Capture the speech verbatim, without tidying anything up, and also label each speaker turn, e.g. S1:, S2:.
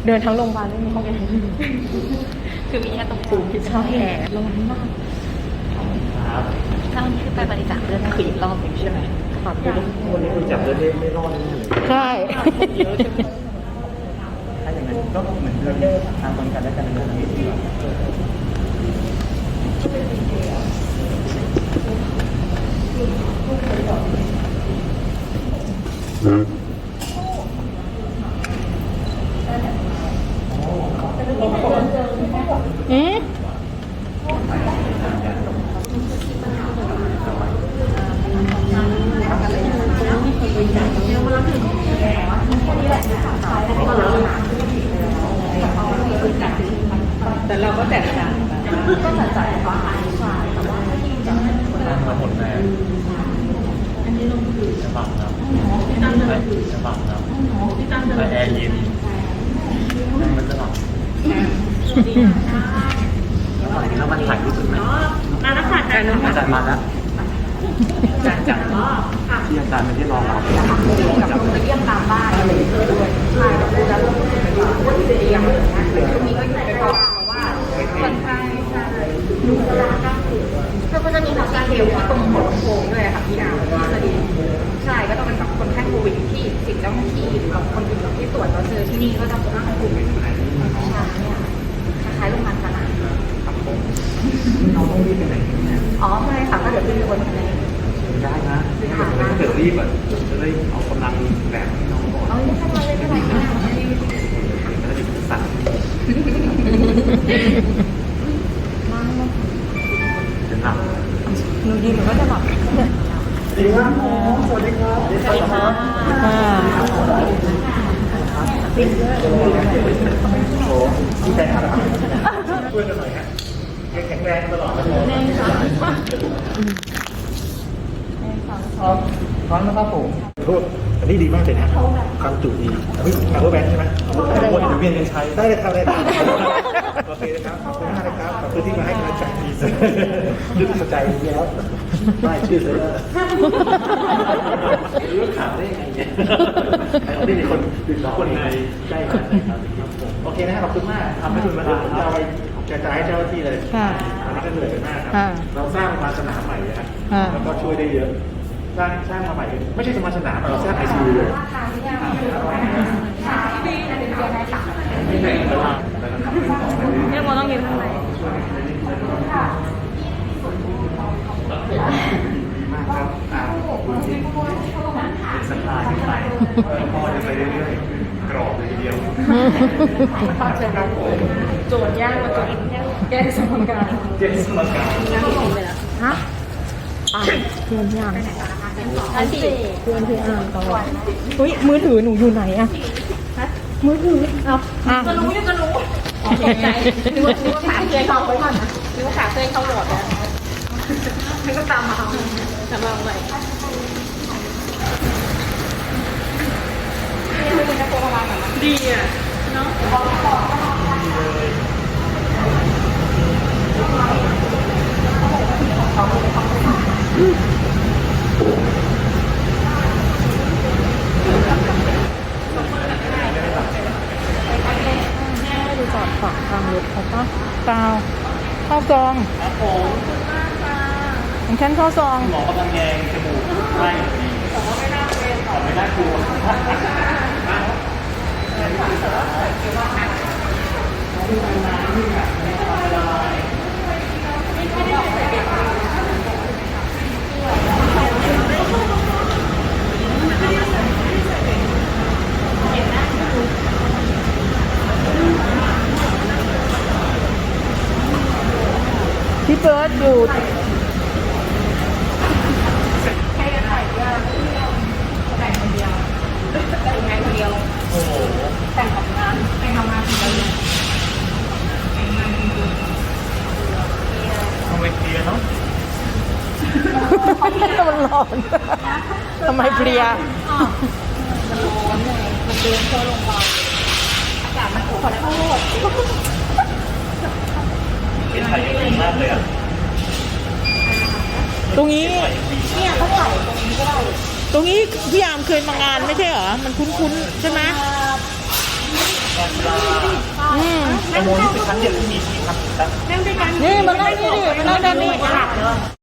S1: เดินทั้งโรงพยาบาลไม่มีห้องแอร์คือมีแค่ตรงปูที่ช่องแอร์ร้อนมาก
S2: ครับ
S1: ถ้าวันนี้คือไปบริจาคเลือดคืออีกรอบหนึ่งใช่ไหมครับ
S2: วันนี้คุณจับเลือดไม่รอดแน่เลย
S1: ใช่
S2: ถ้าอย่างนั้นก็เหมือนเดิมทางคนกันและกันเรื่องนี้ดีกว่าอืม
S1: อืมแต่เราก็แตกต่างก็จัดจ่ายฟ้าหายฝ่ายแต่ว่าที่จะ
S2: มาหมดแรงอันนี้ลงคือจะบังครับจะบังครับแต่แอร์เย็นมันจะหลับแล้วมันถ่ายที่สุดไหม
S1: มาแล้วค่ะอาจารย์
S2: อาจารย์มาแล้วอาจารย์จัดที่อาจารย์ไม่ได้รอเรา
S1: กับคนมาเยี่ยมตามบ้านอะไรด้วยใช่แบบแล้วว่าที่จะเรียงช่วงนี้ก็อยู่ในภาวะว่าคนไข้ใช่ดูแลก้ามคือแล้วก็จะมีฮอสเทลที่ตรงหัวลำโพงด้วยค่ะพี่นาที่สดีใช่ก็ต้องเป็นแบบคนไข้โควิดที่สิทธิ์เจ้าหน้าที่หรือแบบคนอื่นที่ตรวจเราเจอที่นี่ก็จะเป็นร่างกลุ่มใช่เนี่ยคล้ายๆโรงพยาบาลสนาม
S2: เราต้องรีบไปไหนเนี่ย
S1: อ๋อไม่ค่ะก็เดี๋ยวขึ้นไปบนทะเล
S2: ได้นะถ้าเกิดรีบอ่ะจะได้เอากำลังแบบที่น้องบอก
S1: เอาไม่ใช่ไม่เป็นไรไม่เป็นไร
S2: จะได้ศึกษาจะหลับ
S1: หนูยืนหนูก็จะหลับ
S2: สวัสดีครับสวัสดีครับ
S1: สวัสดีครับ
S2: โอ้ที่แฟนคลับช่วยกันหน่อยฮะแข็งแรงตลอดเลยแน่ค่ะพร้อมพร้อมนะครับผมโทษอันนี้ดีมากเลยนะความจุดีเฮ้ยพาวเวอร์แบงค์ใช่ไหมโอ้ยเดี๋ยวเวียนกันใช้ได้เลยครับได้ครับโอเคนะครับขอบคุณมากนะครับขอบคุณที่มาให้กำลังใจดีสุดยึดใจแล้วไม่ชื่อเลยรู้ข่าวได้ยังไงเนี่ยเราได้มีคนคนในใกล้กันนะครับโอเคนะครับขอบคุณมากทำให้คุณมาเราจะไปกระจายให้เจ้าหน้าที่เลยอันนี้ก็เหนื่อยมากครับเราสร้างมาสนามใหม่นะครับแล้วก็ช่วยได้เยอะสร้างสร้างมาใหม่ไม่ใช่สมาสนามเราสร้างไอซียูเลย
S1: เนี่ยโมต้องยืนข้างใน
S2: ดีมากครับขอบคุณที่เป็นสปายขึ้นไปพ่อจะไปเรื่อยๆกรอบเลยทีเดียว
S1: ภาพเชิงรับโจทย์ยากมาโจทย์แก้สมการ
S2: แก้สมการ
S1: ฮะเพื่อนที่อ่านอันสี่เพื่อนที่อ่านตลอดเฮ้ยมือถือหนูอยู่ไหนอะมือถือเอาจะรู้ยังจะรู้ตกใจนึกว่านึกว่าขาเคยเข้าไว้ก่อนนะนึกว่าขาเคยเข้าหลอดแล้วนึกว่าตามมาเอาตามมาเอาไปดีอ่ะเนาะดูจอดฝั่งทางรถเขาปะเปล่าเข้าซอง
S2: ครับผม
S1: ของฉันเข้าซอง
S2: หมอกำลังแยงจมูกไม่ผมว่าไม่น่าเป็นขอไม่น่ากลัว
S1: พี่เบิร์ดอยู่แต่งคนเดียวแต่งงานคนเดียวโอ้โหแต่งของงานแต่งทำงานคนเดียว
S2: ทำไมเคลียร์เนาะ
S1: มันร้อนทำไมเพลียมันร้อนเลยมันเดินเข้าโรงพยาบาลอากาศมันขอโทษ
S2: เป็นไทยดีมากเลยอ่ะ
S1: ตรงนี้เนี่ยเขาถ่ายตรงนี้ก็ได้ตรงนี้พี่ยามเคยมางานไม่ใช่เหรอมันคุ้นๆใช่ไหม
S2: งานกีฬา
S3: อืม
S2: แตงโมนี่เป็นครั้งเดียวที่มีที่ทำถึงแล้ว
S1: นั่งด้วยกัน
S3: นี่มานั่งนี่ดิมานั่งด้านนี้